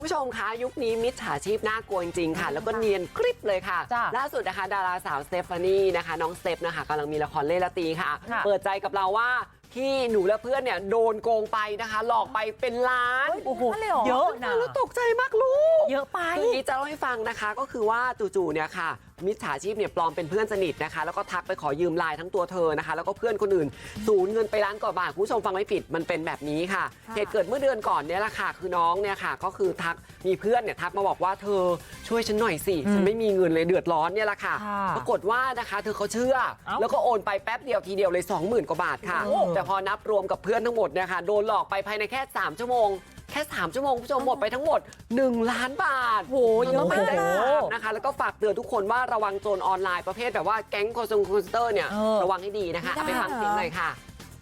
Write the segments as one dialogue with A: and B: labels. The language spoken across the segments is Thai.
A: ผู้ชมคะยุคนี้มิจฉาชีพน่ากลัวจริงๆค่ะแล้วก็เนียนกริบเลยค่ะล่าสุดนะคะดาราสาวสเตฟานีนะคะน้องสเตฟนะคะกำลังมีละครเล่นละตีค่ะเปิดใจกับเราว่าที่หนูและเพื่อนเนี่ยโดนโกงไปนะคะหลอกไปเป็นล้าน
B: โอ้โหเยอะนะ
A: แล้วตกใจมากลูก
B: เยอะไป
A: คือนี้จะเล่าให้ฟังนะคะก็คือว่าจู่ๆเนี่ยค่ะมิจฉาชีพเนี่ยปลอมเป็นเพื่อนสนิทนะคะแล้วก็ทักไปขอยืมไลน์ทั้งตัวเธอนะคะแล้วก็เพื่อนคนอื่นสูญเงินไปล้านกว่าบาทคุณผู้ชมฟังไม่ผิดมันเป็นแบบนี้ค่ะเหตุเกิดเมื่อเดือนก่อนเนี่ยแหละค่ะคือน้องเนี่ยค่ะก็คือทักมีเพื่อนเนี่ยทักมาบอกว่าเธอช่วยฉันหน่อยสิฉันไม่มีเงินเลยเดือดร้อนเนี่ยแหละค่ะปรากฏว่านะคะเธอเขาเชื่อแล้วก็โอนไปแป๊บเดียวทีเดียวเลย 20,000 กว่าบาทค่ะแต่พอนับรวมกับเพื่อนทั้งหมดเนี่ยค่ะโดนหลอกไปภายในแค่3 ชั่วโมงแค่3 ชั่วโมงผู้ชมหมดไปทั้งหมด1 ล้านบาท
B: โหเยอะมาก
A: นะคะแล้วก็ฝากเตือนทุกคนว่าระวังโจรออนไลน์ประเภทแบบว่าแก๊งคอลเซ็นเตอร์เนี่ยระวังให้ดีนะคะเอาไปฟังเสียงเลยค่ะ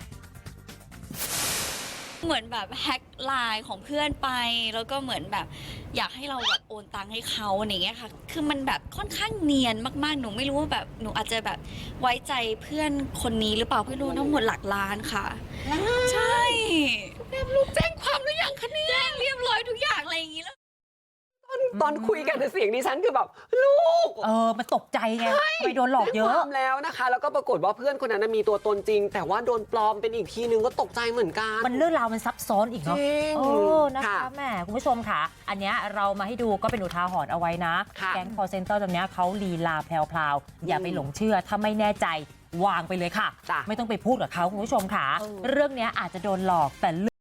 C: เหมือนแบบแฮ็กไลน์ของเพื่อนไปแล้วก็เหมือนแบบอยากให้เราแบบโอนตังค์ให้เขาอย่างเงี้ยค่ะคือมันแบบค่อนข้างเนียนมากๆหนูไม่รู้ว่าแบบหนูอาจจะแบบไว้ใจเพื่อนคนนี้หรือเปล่าเพื่อนรู้ทั้งหมดหลักล้านค่ะใช่แม่ลูกแจ้งความหรือยังคะเนี่ยแจ้งเรียบร้อยทุกอย่างอะไรอย่างงี้แล้ว
A: ตอนคุยกันเสียงดิฉันคือแบบลูก
B: มันตกใจไงไปโดนหลอกเยอะ
A: แล้วนะคะแล้วก็ปรากฏว่าเพื่อนคนนั้นมีตัวตนจริงแต่ว่าโดนปลอมเป็นอีกทีนึงก็ตกใจเหมือนกัน
B: มันเรื่องราวมันซับซ้อนอีกเนาะนะคะแม่คุณผู้ชมค่ะอันเนี้ยเรามาให้ดูก็เป็นอุทาหรณ์เอาไวนะแก๊งคอลเซ็นเตอร์ตรงเนี้ยเขาลีลาแพรวๆอย่าไปหลงเชื่อถ้าไม่แน่ใจวางไปเลยค่ะไม่ต้องไปพูดกับเขาคุณผู้ชมค่ะเรื่องนี้อาจจะโดนหลอกแต่